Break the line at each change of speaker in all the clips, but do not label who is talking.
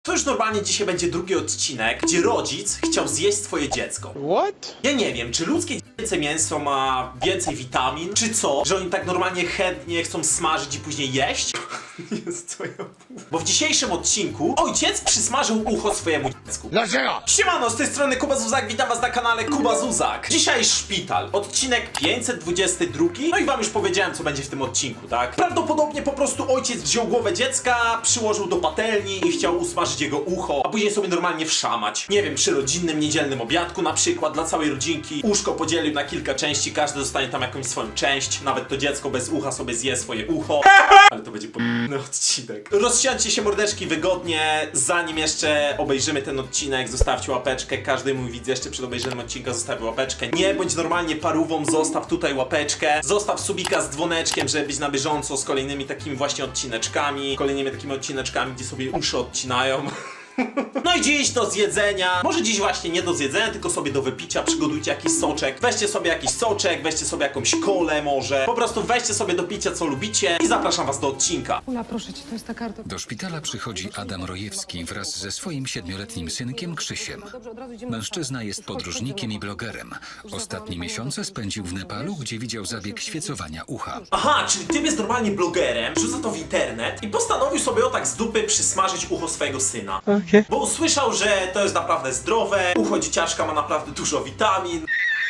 To już normalnie dzisiaj będzie drugi odcinek, gdzie rodzic chciał zjeść swoje dziecko.
What?
Ja nie wiem, czy ludzkie dziecięce mięso ma więcej witamin, czy co? Że oni tak normalnie chętnie chcą smażyć i później jeść? Jest co ja mówię. Bo w dzisiejszym odcinku ojciec przysmażył ucho swojemu dziecku.
Dlaczego?
Siemano, z tej strony Kuba Zuzak, witam was na kanale Kuba Zuzak. Dzisiaj szpital, odcinek 522. No i wam już powiedziałem, co będzie w tym odcinku, tak? Prawdopodobnie po prostu ojciec wziął głowę dziecka, przyłożył do patelni i chciał usmażyć jego ucho, a później sobie normalnie wszamać. Nie wiem, przy rodzinnym, niedzielnym obiadku na przykład, dla całej rodzinki. Uszko podzielił na kilka części, każdy dostanie tam jakąś swoją część. Nawet to dziecko bez ucha sobie zje swoje ucho. Ale to będzie podobny odcinek. Rozsiądźcie się mordeczki wygodnie, zanim jeszcze obejrzymy ten odcinek, zostawcie łapeczkę. Każdy mój widz jeszcze przed obejrzeniem odcinka zostawi łapeczkę. Nie bądź normalnie parówą, zostaw tutaj łapeczkę. Zostaw subika z dzwoneczkiem, żeby być na bieżąco z kolejnymi takimi właśnie odcineczkami. Kolejnymi takimi odcineczkami, gdzie sobie uszy odcinają. No i dziś do zjedzenia, może dziś właśnie nie do zjedzenia, tylko sobie do wypicia, przygotujcie jakiś soczek, weźcie sobie jakiś soczek, weźcie sobie jakąś kolę może, po prostu weźcie sobie do picia co lubicie i zapraszam was do odcinka.
Ula, proszę cię, to jest ta karta.
Do szpitala przychodzi Adam Rojewski wraz ze swoim 7-letnim synkiem Krzysiem. Mężczyzna jest podróżnikiem i blogerem. Ostatnie miesiące spędził w Nepalu, gdzie widział zabieg świecowania ucha.
Aha, czyli ty jest normalnie blogerem, rzuca to w internet i postanowił sobie o tak z dupy przysmażyć ucho swojego syna. Bo usłyszał, że to jest naprawdę zdrowe, ucho dzieciaczka ma naprawdę dużo witamin.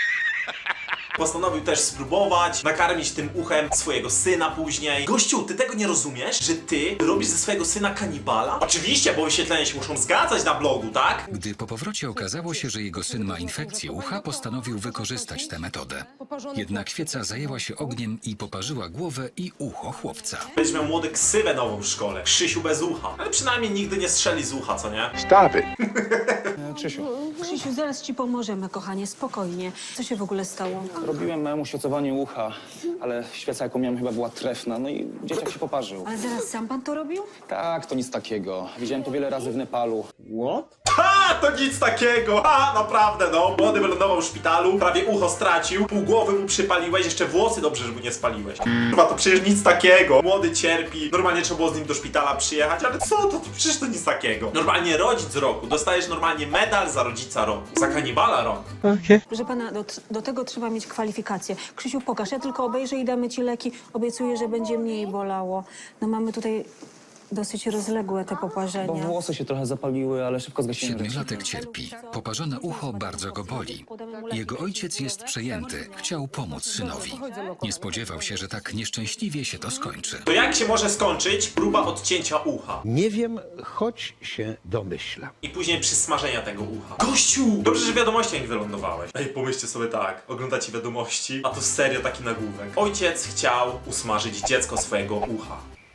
Postanowił też spróbować, nakarmić tym uchem swojego syna później. Gościu, ty tego nie rozumiesz? Że ty robisz ze swojego syna kanibala? Oczywiście, bo wyświetlenia się muszą zgadzać na blogu, tak?
Gdy po powrocie okazało się, że jego syn ma infekcję ucha, postanowił wykorzystać tę metodę. Jednak świeca zajęła się ogniem i poparzyła głowę i ucho chłopca.
Będziesz miał młody ksywę nową w szkole. Krzysiu bez ucha. Ale przynajmniej nigdy nie strzeli z ucha, co nie?
Stop it.
Krzysiu,
Krzysiu, zaraz ci pomożemy, kochanie, spokojnie. Co się w ogóle stało?
robiłem małemu świecowanie ucha, ale świeca jaką miałem chyba była trefna, no i dzieciak się poparzył.
Ale zaraz sam pan to robił?
Tak, to nic takiego. Widziałem to wiele razy w Nepalu.
What?
Ha, to nic takiego! Ha, naprawdę no. Młody wylądował w szpitalu, prawie ucho stracił, pół głowy mu przypaliłeś, jeszcze włosy dobrze, że mu nie spaliłeś. Kurwa, to przecież nic takiego. Młody cierpi, normalnie trzeba było z nim do szpitala przyjechać, ale co to przecież to nic takiego. Normalnie rodzic roku, dostajesz normalnie medal za rodzica roku, za kanibala roku.
Proszę pana, do tego trzeba mieć kwalifikacje. Krzysiu, pokaż, ja tylko obejrzę i damy ci leki. Obiecuję, że będzie mniej bolało. No mamy tutaj dosyć rozległe te
Bo
poparzenia.
włosy się trochę zapaliły, ale szybko zgasiłem.
7-latek cierpi. Poparzone ucho bardzo go boli. Jego ojciec jest przejęty. Chciał pomóc synowi. Nie spodziewał się, że tak nieszczęśliwie się to skończy.
To jak się może skończyć próba odcięcia ucha?
Nie wiem, choć się domyślam.
I później przysmażenia tego ucha. Gościu! Dobrze, że w wiadomościach nie wylądowałeś. Ej, pomyślcie sobie tak, oglądacie wiadomości, a to serio taki nagłówek. Ojciec chciał usmażyć dziecko swojego ucha.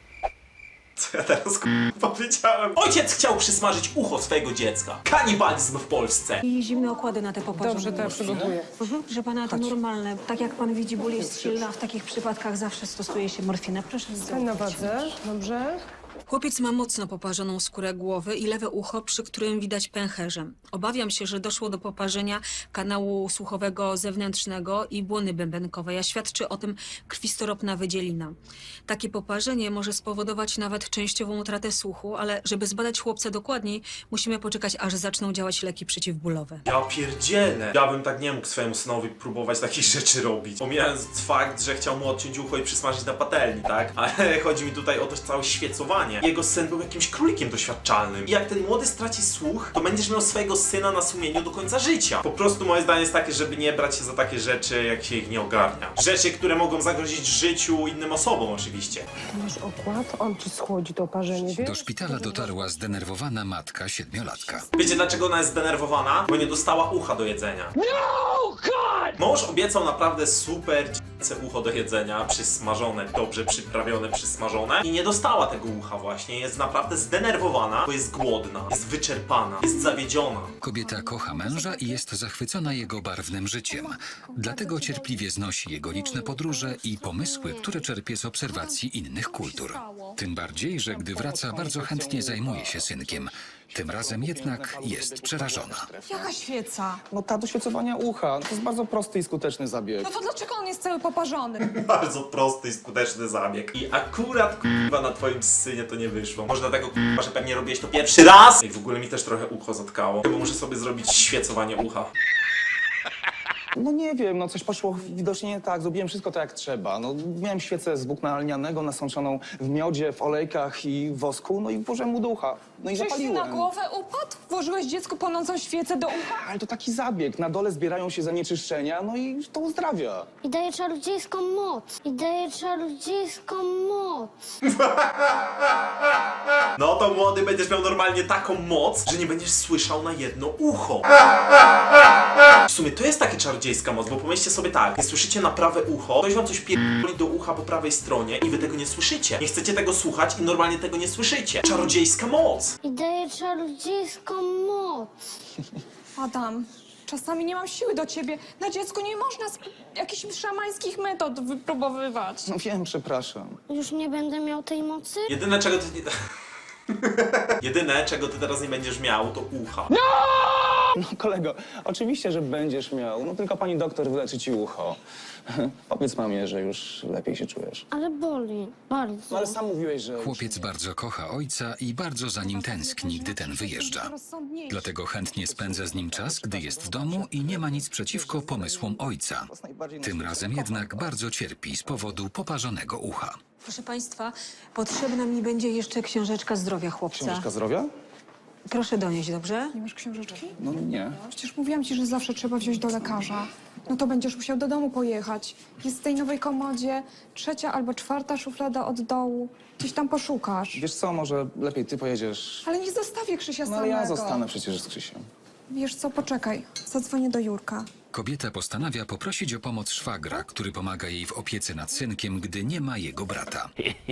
Co ja teraz powiedziałem? Ojciec chciał przysmażyć ucho swojego dziecka. Kanibalizm w Polsce.
I zimne okłady na te poparzenia.
Dobrze, to ja przygotuję.
Proszę pana, to normalne. Tak jak pan widzi, ból jest silny, a w takich przypadkach zawsze stosuje się morfinę. Proszę
Stań na wadze, dobrze?
Chłopiec ma mocno poparzoną skórę głowy i lewe ucho, przy którym widać pęcherze. Obawiam się, że doszło do poparzenia kanału słuchowego zewnętrznego i błony bębenkowej, a świadczy o tym krwistoropna wydzielina. Takie poparzenie może spowodować nawet częściową utratę słuchu, ale żeby zbadać chłopca dokładniej, musimy poczekać, aż zaczną działać leki przeciwbólowe.
Ja pierdzielę. Ja bym tak nie mógł swojemu synowi próbować takich rzeczy robić. Pomijając fakt, że chciał mu odciąć ucho i przysmażyć na patelni, tak? Ale chodzi mi tutaj o to całe świecowanie. Jego syn był jakimś królikiem doświadczalnym. I jak ten młody straci słuch, to będziesz miał swojego syna na sumieniu do końca życia. Po prostu moje zdanie jest takie, żeby nie brać się za takie rzeczy, jak się ich nie ogarnia. Rzeczy, które mogą zagrozić życiu innym osobom oczywiście.
Masz okład, on ci schłodzi to oparzenie, wiesz?
Do szpitala dotarła zdenerwowana matka 7-latka.
Wiecie dlaczego ona jest zdenerwowana? Bo nie dostała ucha do jedzenia. No, God! Mąż obiecał naprawdę super dziecięce ucho do jedzenia, przysmażone, dobrze przyprawione, przysmażone i nie dostała tego ucha właśnie. Jest naprawdę zdenerwowana, bo jest głodna, jest wyczerpana, jest zawiedziona.
Kobieta kocha męża i jest zachwycona jego barwnym życiem. Dlatego cierpliwie znosi jego liczne podróże i pomysły, które czerpie z obserwacji innych kultur. Tym bardziej, że gdy wraca, bardzo chętnie zajmuje się synkiem. Tym razem jednak jest przerażona.
Jaka świeca?
No ta do świecowania ucha. To jest bardzo prosty i skuteczny zabieg.
No to dlaczego on jest cały poparzony?
Bardzo prosty i skuteczny zabieg. I akurat kurwa na twoim synie to nie wyszło. Można tego kurwa, że pewnie robiłeś to pierwszy raz. I w ogóle mi też trochę ucho zatkało. Chyba muszę sobie zrobić świecowanie ucha.
No nie wiem, no coś poszło widocznie nie tak. Zrobiłem wszystko tak jak trzeba. No miałem świecę z włókna lnianego nasączoną w miodzie, w olejkach i wosku, no i włożyłem mu do ucha. No i
Czyś ci
zapaliłem.
na głowę upadł? Włożyłeś dziecku płonącą świecę do ucha?
Ale to taki zabieg. Na dole zbierają się zanieczyszczenia, no i to uzdrawia.
I daje czarodziejską moc. I daje czarodziejską moc.
No to młody będziesz miał normalnie taką moc, że nie będziesz słyszał na jedno ucho. W sumie to jest taka czarodziejska moc, bo pomyślcie sobie tak, nie słyszycie na prawe ucho, ktoś wam coś pierdoli do ucha po prawej stronie i wy tego nie słyszycie. Nie chcecie tego słuchać i normalnie tego nie słyszycie. Czarodziejska moc.
I daje czarodziejską moc.
Adam, czasami nie mam siły do ciebie. Na dziecku nie można jakichś szamańskich metod wypróbowywać.
No wiem, przepraszam.
Już nie będę miał tej mocy?
Jedyne czego ty nie... Jedyne czego ty teraz nie będziesz miał to ucha.
No kolego, oczywiście, że będziesz miał. No tylko pani doktor wyleczy ci ucho. Powiedz mamie, że już lepiej się czujesz.
Ale boli. Bardzo.
No ale sam mówiłeś, że...
Chłopiec bardzo kocha ojca i bardzo za nim tęskni, gdy ten wyjeżdża. Dlatego chętnie spędza z nim czas, gdy jest w domu i nie ma nic przeciwko pomysłom ojca. Tym razem jednak bardzo cierpi z powodu poparzonego ucha.
Proszę państwa, potrzebna mi będzie jeszcze książeczka zdrowia chłopca.
Książka zdrowia?
Proszę donieść, dobrze?
Nie masz książeczki?
No nie.
Przecież mówiłam ci, że zawsze trzeba wziąć do lekarza. No to będziesz musiał do domu pojechać. Jest w tej nowej komodzie 3. albo 4. szuflada od dołu. Gdzieś tam poszukasz.
Wiesz co, może lepiej ty pojedziesz.
Ale nie zostawię Krzysia
No ale
samego.
ja zostanę przecież z Krzysiem.
Wiesz co, poczekaj. Zadzwonię do Jurka.
Kobieta postanawia poprosić o pomoc szwagra, który pomaga jej w opiece nad synkiem, gdy nie ma jego brata.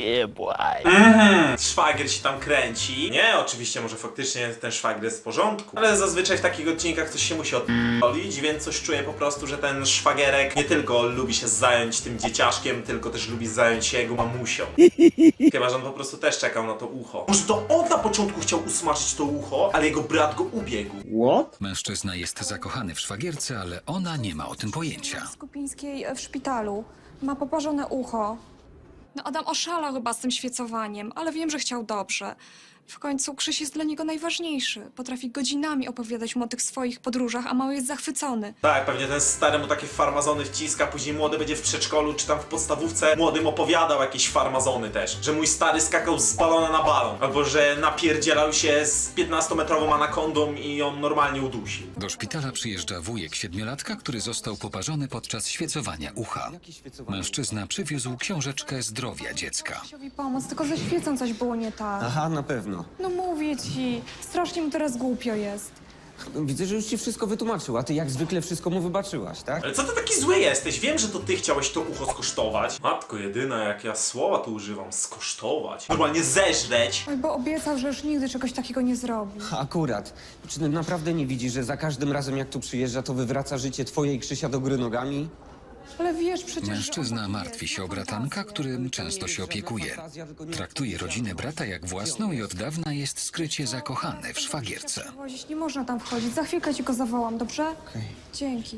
Szwagier się tam kręci. Nie, oczywiście może faktycznie ten szwagier jest w porządku. Ale zazwyczaj w takich odcinkach coś się musi odpalić, więc coś czuję po prostu, że ten szwagierek nie tylko lubi się zająć tym dzieciaszkiem, tylko też lubi zająć się jego mamusią. Chyba, że on po prostu też czekał na to ucho. Może to on na początku chciał usmażyć to ucho, ale jego brat go ubiegł.
Mężczyzna jest zakochany w szwagierce, ale ona nie ma o tym pojęcia.
Skupińskiej w szpitalu. Ma poparzone ucho. No Adam oszalał chyba z tym świecowaniem, ale wiem, że chciał dobrze. W końcu Krzyś jest dla niego najważniejszy. Potrafi godzinami opowiadać mu o tych swoich podróżach, a mały jest zachwycony.
Tak, pewnie ten stary mu takie farmazony wciska, później młody będzie w przedszkolu czy tam w podstawówce młodym opowiadał jakieś farmazony też. Że mój stary skakał z balona na balon. Albo że napierdzielał się z 15-metrową anakondą i on normalnie udusił.
Do szpitala przyjeżdża wujek 7-latka, który został poparzony podczas świecowania ucha. Mężczyzna przywiózł książeczkę zdrowia dziecka.
Krzysiowi pomóc, tylko ze świecą coś było nie tak.
Aha, na pewno.
No mówię ci, strasznie mu teraz głupio jest.
Widzę, że już ci wszystko wytłumaczył, a ty jak zwykle wszystko mu wybaczyłaś, tak?
Ale co ty taki zły jesteś? Wiem, że to ty chciałeś to ucho skosztować. Matko jedyna, jak ja słowa tu używam, skosztować. Normalnie zeżreć.
Oj, bo obiecał, że już nigdy czegoś takiego nie zrobi.
Akurat. Czy ty naprawdę nie widzisz, że za każdym razem jak tu przyjeżdża, to wywraca życie twoje i Krzysia do góry nogami?
Ale wiesz przecież, że
Mężczyzna
on
martwi
jest,
się
ma
o bratanka,
fantazję.
którym często się opiekuje. Traktuje rodzinę brata jak własną i od dawna jest skrycie zakochany w szwagierce.
Przewozić, nie można tam wchodzić. Za chwilkę ci go zawołam, dobrze? Dzięki.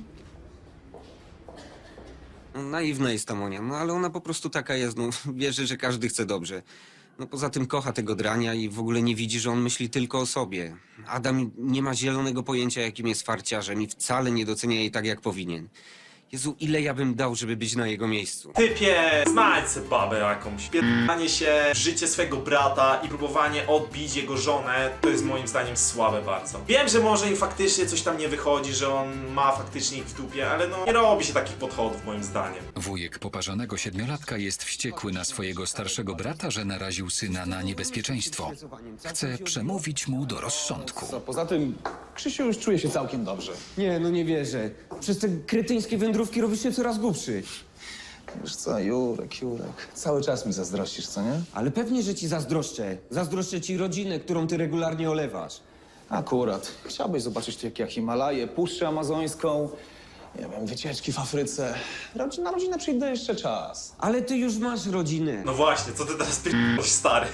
No, naiwna jest ta Monia, no ale ona po prostu taka jest, no wierzy, że każdy chce dobrze. No poza tym kocha tego drania i w ogóle nie widzi, że on myśli tylko o sobie. Adam nie ma zielonego pojęcia, jakim jest farciarzem i wcale nie docenia jej tak, jak powinien. Jezu, ile ja bym dał, żeby być na jego miejscu.
Typie, znajdź se babę jakąś. Pierdanie się w życie swojego brata i próbowanie odbić jego żonę, to jest moim zdaniem słabe bardzo. Wiem, że może im faktycznie coś tam nie wychodzi, że on ma faktycznie ich w dupie, ale no nie robi się takich podchodów moim zdaniem.
Wujek poparzonego 7-latka jest wściekły na swojego starszego brata, że naraził syna na niebezpieczeństwo. Chce przemówić mu do rozsądku.
Co, poza tym Krzysiu już czuje się całkiem dobrze.
Nie, no nie wierzę. Przez te kretyńskie wędrówki robisz się coraz głupszy.
Wiesz co, Jurek, cały czas mi zazdrościsz, co nie?
Ale pewnie, że ci zazdroszczę. Zazdroszczę ci rodzinę, którą ty regularnie olewasz.
Akurat. Chciałbyś zobaczyć tu jak ja Himalaję, Puszczę Amazońską, Nie wiem, wycieczki w Afryce. Na rodzinę przyjdę jeszcze czas.
Ale ty już masz rodzinę.
No właśnie, co ty teraz p***sz, stary?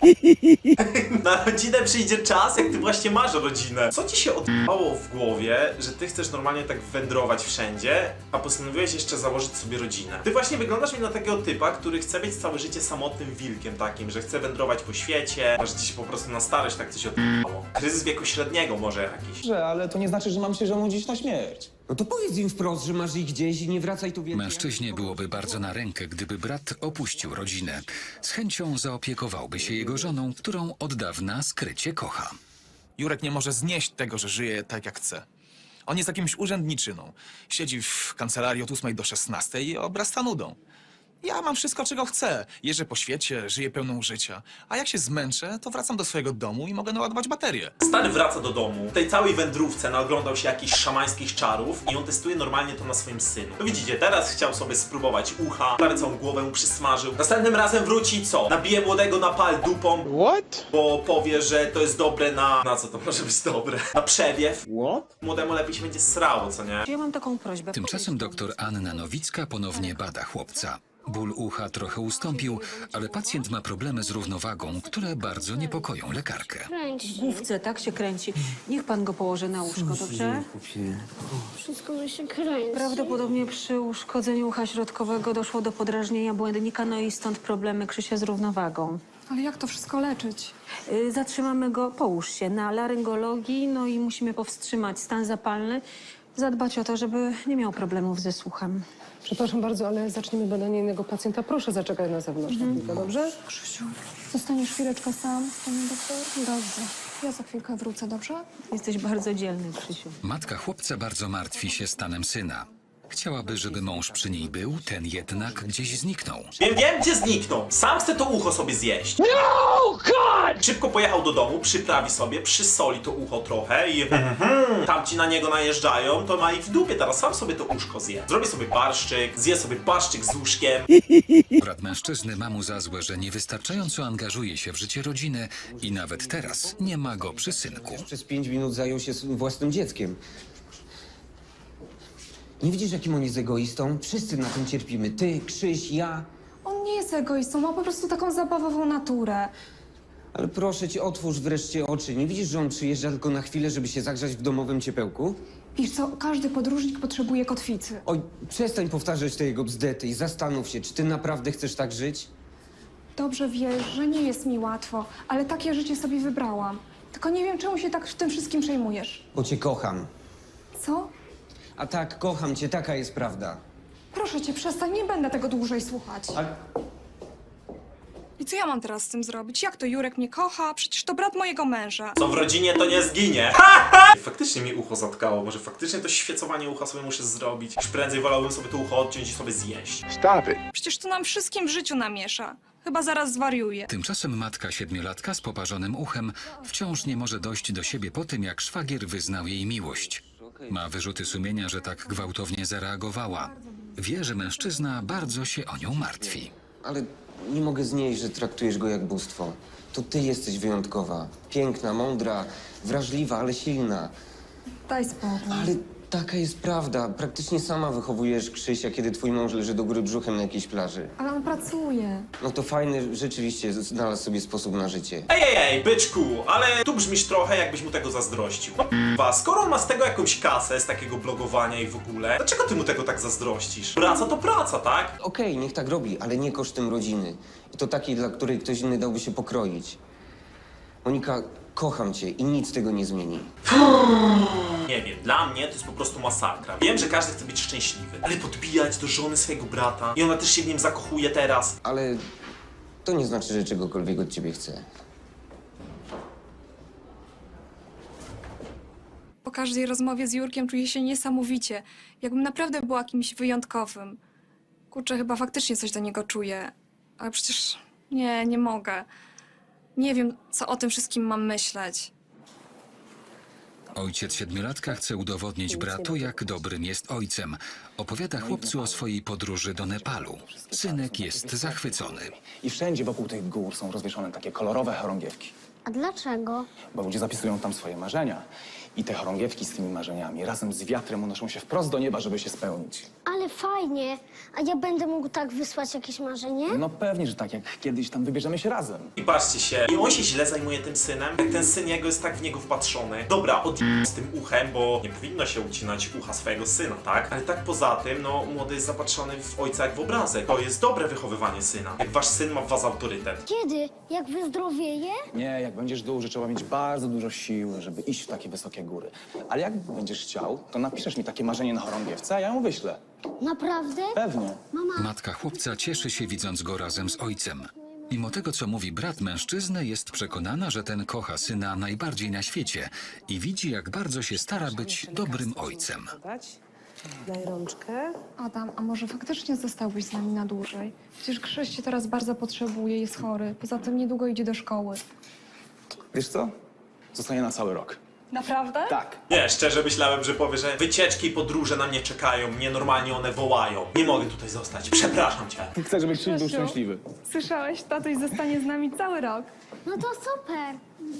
Na rodzinę przyjdzie czas, jak ty właśnie masz rodzinę. Co ci się odpało w głowie, że ty chcesz normalnie tak wędrować wszędzie, a postanowiłeś jeszcze założyć sobie rodzinę? Ty właśnie wyglądasz mi na takiego typa, który chce być całe życie samotnym wilkiem takim, że chce wędrować po świecie, a że ci się po prostu na starość tak coś odpało. Kryzys wieku średniego może jakiś.
Ale to nie znaczy, że mam się żonudzić na śmierć.
No to powiedz im wprost, że masz ich gdzieś i nie wracaj tu więcej.
Mężczyźnie byłoby bardzo na rękę, gdyby brat opuścił rodzinę. Z chęcią zaopiekowałby się jego żoną, którą od dawna skrycie kocha.
Jurek nie może znieść tego, że żyje tak jak chce. On jest jakimś urzędniczyną. Siedzi w kancelarii od 8 do 16 i obrasta nudą. Ja mam wszystko, czego chcę. Jeżdżę po świecie, żyję pełną życia. A jak się zmęczę, to wracam do swojego domu i mogę naładować baterię.
Stary wraca do domu. W tej całej wędrówce naoglądał się jakichś szamańskich czarów i on testuje normalnie to na swoim synu. No widzicie, teraz chciał sobie spróbować ucha, prawie całą głowę mu przysmażył. Następnym razem wróci i co? Nabije młodego na pal dupą.
What?
Bo powie, że to jest dobre na... Na co to może być dobre? Na przewiew. What? Młodemu lepiej się będzie srało, co nie?
Ja mam taką prośbę.
Tymczasem doktor Anna Nowicka ponownie bada chłopca. Ból ucha trochę ustąpił, ale pacjent ma problemy z równowagą, które bardzo niepokoją lekarkę.
Kręć się.
Główce, tak się kręci. Niech pan go położy na łóżko, dobrze?
Wszystko mi się kręci.
Prawdopodobnie przy uszkodzeniu ucha środkowego doszło do podrażnienia błędnika, no i stąd problemy Krzysia z równowagą.
Ale jak to wszystko leczyć?
Zatrzymamy go, połóż się, na laryngologii, no i musimy powstrzymać stan zapalny, zadbać o to, żeby nie miał problemów ze słuchem.
Przepraszam bardzo, ale zaczniemy badanie innego pacjenta. Proszę zaczekaj na zewnątrz, na chwilkę, dobrze?
Krzysiu, zostaniesz chwileczkę sam z panem doktor? Dobrze. Ja za chwilkę wrócę, dobrze?
Jesteś bardzo dzielny, Krzysiu.
Matka chłopca bardzo martwi się stanem syna. Chciałaby, żeby mąż przy niej był, ten jednak gdzieś zniknął.
Wiem, gdzie zniknął. Sam chce to ucho sobie zjeść. No, God! Szybko pojechał do domu, przyprawi sobie, przysoli to ucho trochę i tamci na niego najeżdżają, to ma ich w dupie, teraz sam sobie to uszko zje. Zrobi sobie barszczyk, zje sobie barszczyk z łóżkiem.
Brat mężczyzny ma mu za złe, że niewystarczająco angażuje się w życie rodziny i nawet teraz nie ma go przy synku.
Przez 5 minut zajął się własnym dzieckiem. Nie widzisz, jakim on jest egoistą? Wszyscy na tym cierpimy. Ty, Krzyś, ja.
On nie jest egoistą, ma po prostu taką zabawową naturę.
Ale proszę cię, otwórz wreszcie oczy. Nie widzisz, że on przyjeżdża tylko na chwilę, żeby się zagrzać w domowym ciepełku?
Wiesz co, każdy podróżnik potrzebuje kotwicy.
Oj, przestań powtarzać te jego bzdety i zastanów się, czy ty naprawdę chcesz tak żyć?
Dobrze wiesz, że nie jest mi łatwo, ale takie życie sobie wybrałam. Tylko nie wiem, czemu się tak tym wszystkim przejmujesz.
Bo cię kocham.
Co?
A tak, kocham cię, taka jest prawda.
Proszę cię, przestań, nie będę tego dłużej słuchać.
Ale...
I co ja mam teraz z tym zrobić? Jak to Jurek mnie kocha? Przecież to brat mojego męża.
Co w rodzinie, to nie zginie. Faktycznie mi ucho zatkało, może faktycznie to świecowanie ucha sobie muszę zrobić. Już prędzej wolałbym sobie to ucho odciąć i sobie zjeść.
Stop it.
Przecież to nam wszystkim w życiu namiesza. Chyba zaraz zwariuje.
Tymczasem matka 7-latka z poparzonym uchem wciąż nie może dojść do siebie po tym, jak szwagier wyznał jej miłość. Ma wyrzuty sumienia, że tak gwałtownie zareagowała. Wie, że mężczyzna bardzo się o nią martwi.
Ale nie mogę znieść, że traktujesz go jak bóstwo. To ty jesteś wyjątkowa. Piękna, mądra, wrażliwa, ale silna.
Daj spokój.
Ale taka jest prawda. Praktycznie sama wychowujesz Krzysia, kiedy twój mąż leży do góry brzuchem na jakiejś plaży.
Ale on pracuje.
No to fajny, rzeczywiście znalazł sobie sposób na życie.
Ej, byczku, ale tu brzmisz trochę, jakbyś mu tego zazdrościł. No p***wa, skoro on ma z tego jakąś kasę, z takiego blogowania i w ogóle, dlaczego ty mu tego tak zazdrościsz? Praca to praca, tak?
Okej, niech tak robi, ale nie kosztem rodziny. I to takiej, dla której ktoś inny dałby się pokroić. Monika, kocham cię i nic tego nie zmieni.
Nie wiem, dla mnie to jest po prostu masakra. Wiem, że każdy chce być szczęśliwy, ale podbijać do żony swojego brata i ona też się w nim zakochuje teraz.
Ale to nie znaczy, że czegokolwiek od ciebie chcę.
Po każdej rozmowie z Jurkiem czuję się niesamowicie. Jakbym naprawdę była kimś wyjątkowym. Kurczę, chyba faktycznie coś do niego czuję. Ale przecież nie mogę. Nie wiem, co o tym wszystkim mam myśleć.
Ojciec 7-latka chce udowodnić bratu, jak dobrym jest ojcem. Opowiada chłopcu o swojej podróży do Nepalu. Synek jest zachwycony.
I wszędzie wokół tych gór są rozwieszone takie kolorowe chorągiewki.
A dlaczego?
Bo ludzie zapisują tam swoje marzenia. I te chorągiewki z tymi marzeniami razem z wiatrem unoszą się wprost do nieba, żeby się spełnić.
Ale fajnie. A ja będę mógł tak wysłać jakieś marzenie?
No pewnie, że tak, jak kiedyś tam wybierzemy się razem.
I patrzcie się, i on się źle zajmuje tym synem, jak ten syn jego jest tak w niego wpatrzony. Dobra, z tym uchem, bo nie powinno się ucinać ucha swojego syna, tak? Ale tak poza tym, no, młody jest zapatrzony w ojca jak w obrazek. To jest dobre wychowywanie syna. Jak wasz syn ma w was autorytet.
Kiedy? Jak wyzdrowieje?
Nie, jak będziesz duży, trzeba mieć bardzo dużo siły, żeby iść w takie wysokie góry. Ale jak będziesz chciał, to napiszesz mi takie marzenie na chorągiewce, a ja ją wyślę.
Naprawdę?
Pewnie.
Mama,
Matka chłopca cieszy się, widząc go razem z ojcem. Mimo tego, co mówi brat mężczyzny, jest przekonana, że ten kocha syna najbardziej na świecie i widzi, jak bardzo się stara być dobrym ojcem.
Daj rączkę.
Adam, a może faktycznie zostałbyś z nami na dłużej? Przecież Krzyś cię teraz bardzo potrzebuje, jest chory. Poza tym niedługo idzie do szkoły.
Wiesz co? Zostanie na cały rok.
Naprawdę?
Tak.
Nie, szczerze myślałem, że powie, że wycieczki i podróże na mnie czekają, mnie normalnie one wołają. Nie mogę tutaj zostać, przepraszam cię.
Chcę, żeby Krzyś był
Krzysiu.
szczęśliwy.
Słyszałeś? Tatuś zostanie z nami cały rok.
no to super.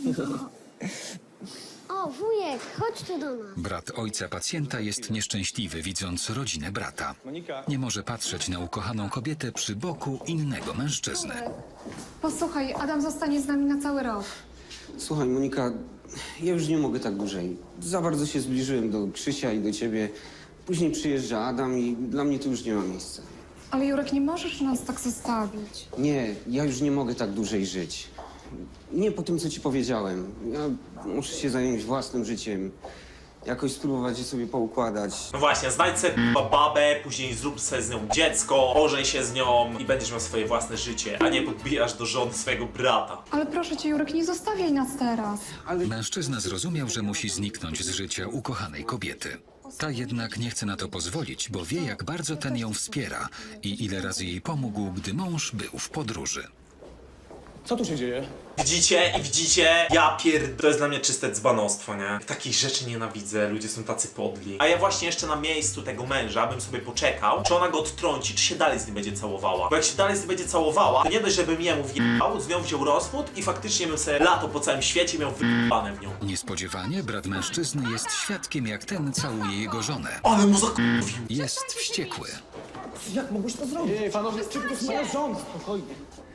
O, wujek, chodź tu do nas.
Brat ojca pacjenta jest nieszczęśliwy, widząc rodzinę brata.
Monika.
Nie może patrzeć na ukochaną kobietę przy boku innego mężczyzny.
Posłuchaj, Adam zostanie z nami na cały rok.
Słuchaj, Monika, ja już nie mogę tak dłużej. Za bardzo się zbliżyłem do Krzysia i do ciebie. Później przyjeżdża Adam i dla mnie to już nie ma miejsca.
Ale Jurek, nie możesz nas tak zostawić.
Nie, ja już nie mogę tak dłużej żyć. Nie po tym, co ci powiedziałem. Ja muszę się zająć własnym życiem. Jakoś spróbować je sobie poukładać.
No właśnie, znajdź sobie babę, później zrób sobie z nią dziecko, ożeń się z nią i będziesz miał swoje własne życie, a nie podbijasz do żony swojego brata.
Ale proszę cię, Jurek, nie zostawiaj nas teraz.
Mężczyzna zrozumiał, że musi zniknąć z życia ukochanej kobiety. Ta jednak nie chce na to pozwolić, bo wie, jak bardzo ten ją wspiera i ile razy jej pomógł, gdy mąż był w podróży.
Co tu się dzieje?
Widzicie, to jest dla mnie czyste dzbanostwo, nie? Takich rzeczy nienawidzę, ludzie są tacy podli. A ja właśnie jeszcze na miejscu tego męża bym sobie poczekał, czy ona go odtrąci, czy się dalej z nim będzie całowała. Bo jak się dalej z nim będzie całowała, to nie dość, żebym jemu wjechał, z nią wziął rozwód i faktycznie bym sobie lato po całym świecie miał wyjebane w nią.
Niespodziewanie brat mężczyzny jest świadkiem, jak ten całuje jego żonę.
Ale mu zakurwił.
Jest wściekły.
Jak mogłeś to zrobić? Ej, panowie, to jest moja żona, spokojnie.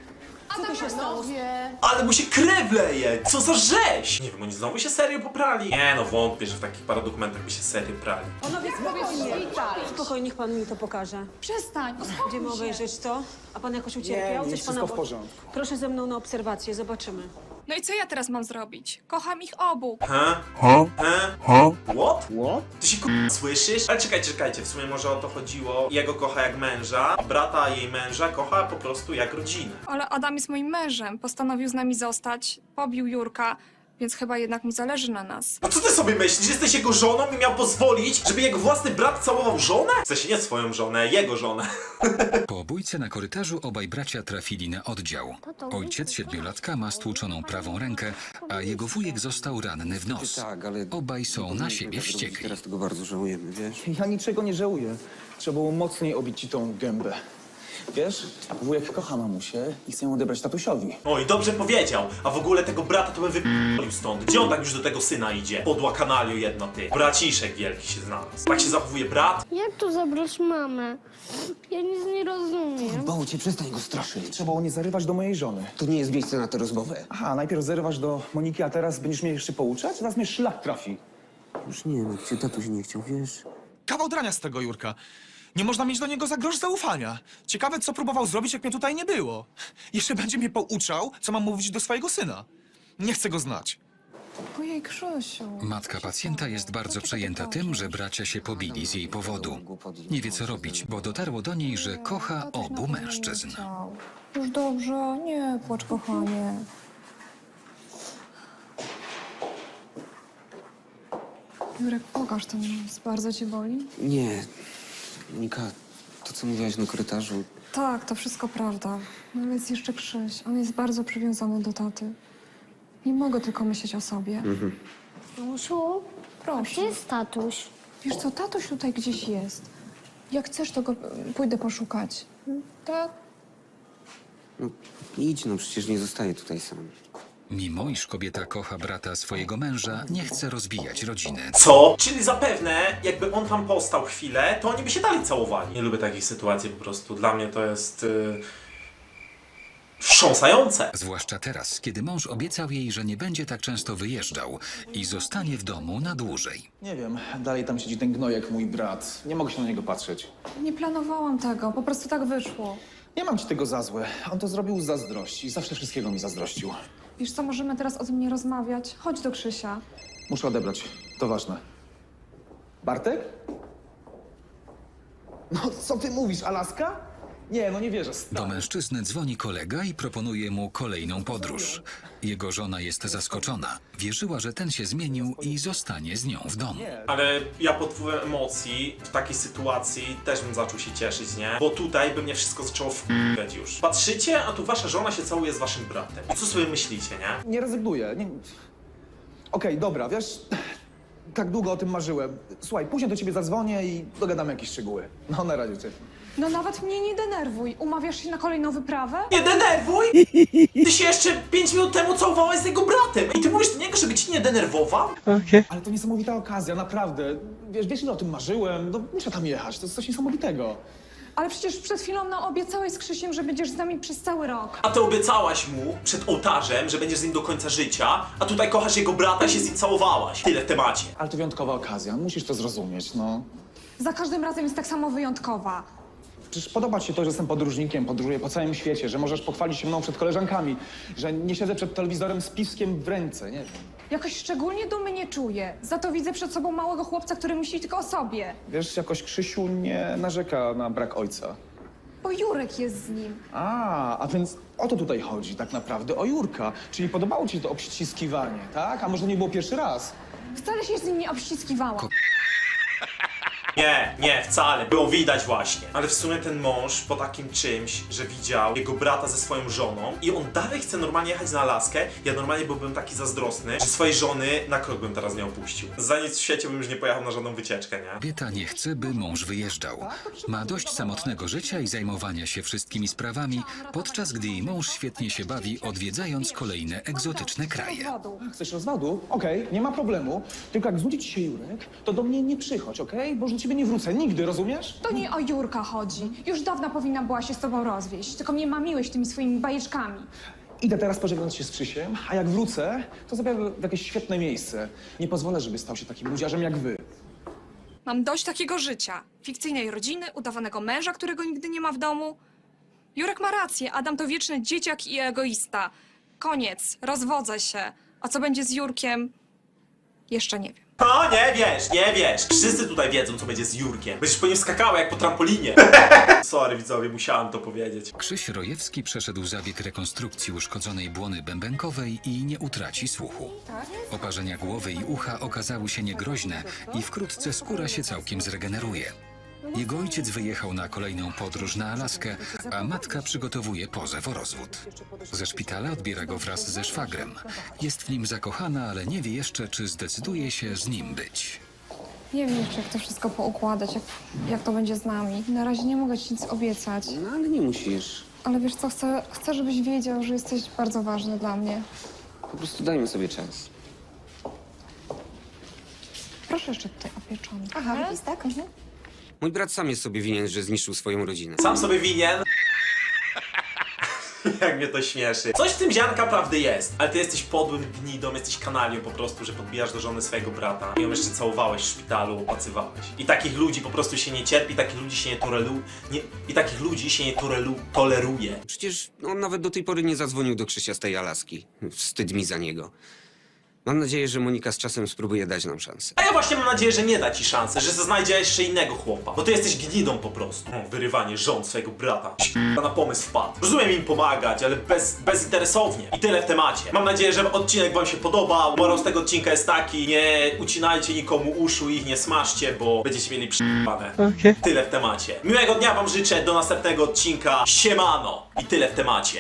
Ale mu się krew leje! Co za rzeź! Nie wiem, oni znowu się serio poprali? Nie no, wątpię, że w takich paradokumentach by się serio prali.
Panowie, spokojnie, niech pan mi to pokaże.
Przestań,
Będziemy obejrzeć to. A pan jakoś ucierpiał?
Nie,
Coś
wszystko
pana
w porządku.
Proszę ze mną na obserwację, zobaczymy.
No i co ja teraz mam zrobić? Kocham ich obu.
What?
What?
Ty się słyszysz? Ale czekajcie, w sumie może o to chodziło. Jego kocha jak męża, a brata jej męża kocha po prostu jak rodzinę.
Ale Adam jest moim mężem. Postanowił z nami zostać. Pobił Jurka, więc chyba jednak mu zależy na nas.
A co ty sobie myślisz? Jesteś jego żoną i miał pozwolić, żeby jego własny brat całował żonę? W sensie nie swoją żonę, jego żonę.
Po bójce na korytarzu obaj bracia trafili na oddział. Ojciec siedmiolatka ma stłuczoną prawą rękę, a jego wujek został ranny w nos.
Tak, ale...
Obaj są na siebie
tak robić.
wściekli.
Teraz tego bardzo żałujemy, wiesz?
Ja niczego nie żałuję. Trzeba było mocniej obić ci tą gębę. Wiesz, wujek kocha mamusię i chce ją odebrać tatusiowi.
Oj, dobrze powiedział. A w ogóle tego brata to bym wyp***lił stąd. Gdzie on tak już do tego syna idzie? Podła kanaliu jedna ty. Braciszek wielki się znalazł. Tak się zachowuje brat?
Jak tu zabrać mamę? Ja nic nie rozumiem.
Bało cię, przestań go straszyć.
Trzeba było nie zarywać do mojej żony.
To nie jest miejsce na tę rozmowę.
Aha, najpierw zarywasz do Moniki, a teraz będziesz mnie jeszcze pouczać? Zaraz mnie szlak trafi.
Już nie, no cię tatuś nie chciał, wiesz?
Kawał drania z tego Jurka. Nie można mieć do niego za grosz zaufania. Ciekawe, co próbował zrobić, jak mnie tutaj nie było. Jeszcze będzie mnie pouczał, co mam mówić do swojego syna. Nie chcę go znać.
Ojej, Krzysiu.
Matka pacjenta jest bardzo przejęta tym, że bracia się pobili z jej powodu. Nie wie, co robić, bo dotarło do niej, że kocha obu mężczyzn.
Już dobrze, nie płacz, kochanie. Jurek, pokaż ten nos. Bardzo cię boli?
Nie. Monika, to co mówiłaś na korytarzu,
Tak, to wszystko prawda. No ale jest jeszcze Krzyś. On jest bardzo przywiązany do taty. Nie mogę tylko myśleć o sobie.
Mamusiu, gdzie
Proszę.
jest tatuś?
Wiesz co, tatuś tutaj gdzieś jest. Jak chcesz, to go pójdę poszukać. Tak?
no idź, no przecież nie zostaję tutaj sam.
Mimo iż kobieta kocha brata swojego męża, nie chce rozbijać rodziny.
Co? Czyli zapewne, jakby on tam postał chwilę, to oni by się dalej całowali. Nie lubię takich sytuacji po prostu. Dla mnie to jest... wstrząsające.
Zwłaszcza teraz, kiedy mąż obiecał jej, że nie będzie tak często wyjeżdżał i zostanie w domu na dłużej.
Nie wiem, dalej tam siedzi ten gnojek, mój brat. Nie mogę się na niego patrzeć.
Nie planowałam tego, po prostu tak wyszło.
Nie mam ci tego za złe. On to zrobił z zazdrości. Zawsze wszystkiego mi zazdrościł.
Wiesz co, możemy teraz o tym nie rozmawiać. Chodź do Krzysia.
Muszę odebrać. To ważne. Bartek? No, co ty mówisz, Alaska? Nie, no nie wierzę.
Do mężczyzny dzwoni kolega i proponuje mu kolejną podróż. Jego żona jest zaskoczona. Wierzyła, że ten się zmienił i zostanie z nią w domu.
Ale ja pod wpływem emocji w takiej sytuacji też bym zaczął się cieszyć, nie? Bo tutaj by mnie wszystko zaczęło wkurwiać już. Patrzycie, a tu wasza żona się całuje z waszym bratem. I co sobie myślicie, nie?
Nie rezygnuję. Nie... Okej, dobra, wiesz, tak długo o tym marzyłem. Słuchaj, później do ciebie zadzwonię i dogadamy jakieś szczegóły. No, na razie cię.
No nawet mnie nie denerwuj. Umawiasz się na kolejną wyprawę?
Nie denerwuj! Ty się jeszcze 5 minut temu całowałaś z jego bratem. I ty mówisz do niego, żeby ci nie denerwował?
Ale to niesamowita okazja, naprawdę. Wiesz, ile o tym marzyłem? No, muszę tam jechać, to jest coś niesamowitego.
Ale przecież przed chwilą nam obiecałeś z Krzysiem, że będziesz z nami przez cały rok.
A ty obiecałaś mu przed ołtarzem, że będziesz z nim do końca życia, a tutaj kochasz jego brata i się z nim całowałaś. Tyle w temacie.
Ale to wyjątkowa okazja, musisz to zrozumieć, no.
Za każdym razem jest tak samo wyjątkowa.
Przecież podoba ci się to, że jestem podróżnikiem, podróżuję po całym świecie, że możesz pochwalić się mną przed koleżankami, że nie siedzę przed telewizorem z piwskiem w ręce, nie wiem.
Jakoś szczególnie dumy nie czuję. Za to widzę przed sobą małego chłopca, który myśli tylko o sobie.
Wiesz, jakoś Krzysiu nie narzeka na brak ojca.
Bo Jurek jest z nim.
A więc o to tutaj chodzi tak naprawdę, o Jurka. Czyli podobało ci to obściskiwanie, tak? A może nie było pierwszy raz?
Wcale się z nim nie obściskiwałam.
Nie, wcale. Było widać właśnie. Ale w sumie ten mąż po takim czymś, że widział jego brata ze swoją żoną i on dalej chce normalnie jechać na Alaskę, ja normalnie byłbym taki zazdrosny, że swojej żony na krok bym teraz nie opuścił. Za nic w świecie bym już nie pojechał na żadną wycieczkę, nie?
Kobieta nie chce, by mąż wyjeżdżał. Ma dość samotnego życia i zajmowania się wszystkimi sprawami, podczas gdy jej mąż świetnie się bawi, odwiedzając kolejne egzotyczne kraje.
Chcesz rozwodu? Okej, nie ma problemu. Tylko jak znudzi ci się Jurek, to do mnie nie przychodź, okej? Bo już do ciebie nie wrócę nigdy, rozumiesz?
To nie o Jurka chodzi. Już dawno powinna była się z tobą rozwieść. Tylko mnie mamiłeś tymi swoimi bajeczkami.
Idę teraz pożegnać się z Krzysiem, a jak wrócę, to zabiorę w jakieś świetne miejsce. Nie pozwolę, żeby stał się takim ludziarzem jak wy.
Mam dość takiego życia. Fikcyjnej rodziny, udawanego męża, którego nigdy nie ma w domu. Jurek ma rację. Adam to wieczny dzieciak i egoista. Koniec. Rozwodzę się. A co będzie z Jurkiem? Jeszcze nie wiem.
O, nie wiesz. Wszyscy tutaj wiedzą, co będzie z Jurkiem. Będziesz po nim skakała jak po trampolinie. Sorry widzowie, musiałem to powiedzieć.
Krzyś Rojewski przeszedł zabieg rekonstrukcji uszkodzonej błony bębenkowej i nie utraci słuchu. Oparzenia głowy i ucha okazały się niegroźne i wkrótce skóra się całkiem zregeneruje. Jego ojciec wyjechał na kolejną podróż na Alaskę, a matka przygotowuje pozew o rozwód. Ze szpitala odbiera go wraz ze szwagrem. Jest w nim zakochana, ale nie wie jeszcze, czy zdecyduje się z nim być.
Nie wiem jeszcze, jak to wszystko poukładać, jak to będzie z nami. Na razie nie mogę ci nic obiecać.
No ale nie musisz.
Ale wiesz co, chcę, żebyś wiedział, że jesteś bardzo ważny dla mnie.
Po prostu dajmy sobie czas.
Proszę jeszcze tutaj o pieczonkę.
Aha, tak? Mhm.
Mój brat sam jest sobie winien, że zniszczył swoją rodzinę.
Sam sobie winien. Jak mnie to śmieszy. Coś w tym ziarnka prawdy jest, ale ty jesteś podłym gnidą, jesteś kanalią po prostu, że podbijasz do żony swojego brata i ją jeszcze całowałeś w szpitalu, opłacywałeś. I takich ludzi po prostu się nie cierpi, takich ludzi się nie toleruje.
Przecież on nawet do tej pory nie zadzwonił do Krzysia z tej Alaski. Wstyd mi za niego. Mam nadzieję, że Monika z czasem spróbuje dać nam szansę.
A ja właśnie mam nadzieję, że nie da ci szansy, że znajdzie jeszcze innego chłopa. Bo ty jesteś gnidą po prostu. Wyrywanie żon swojego brata. Na pomysł wpadł. Rozumiem im pomagać, ale bezinteresownie. I tyle w temacie. Mam nadzieję, że odcinek wam się podobał. Morał z tego odcinka jest taki: nie ucinajcie nikomu uszu i ich nie smaszcie, bo będziecie mieli przyjebane. Tyle w temacie. Miłego dnia wam życzę, do następnego odcinka. Siemano! I tyle w temacie.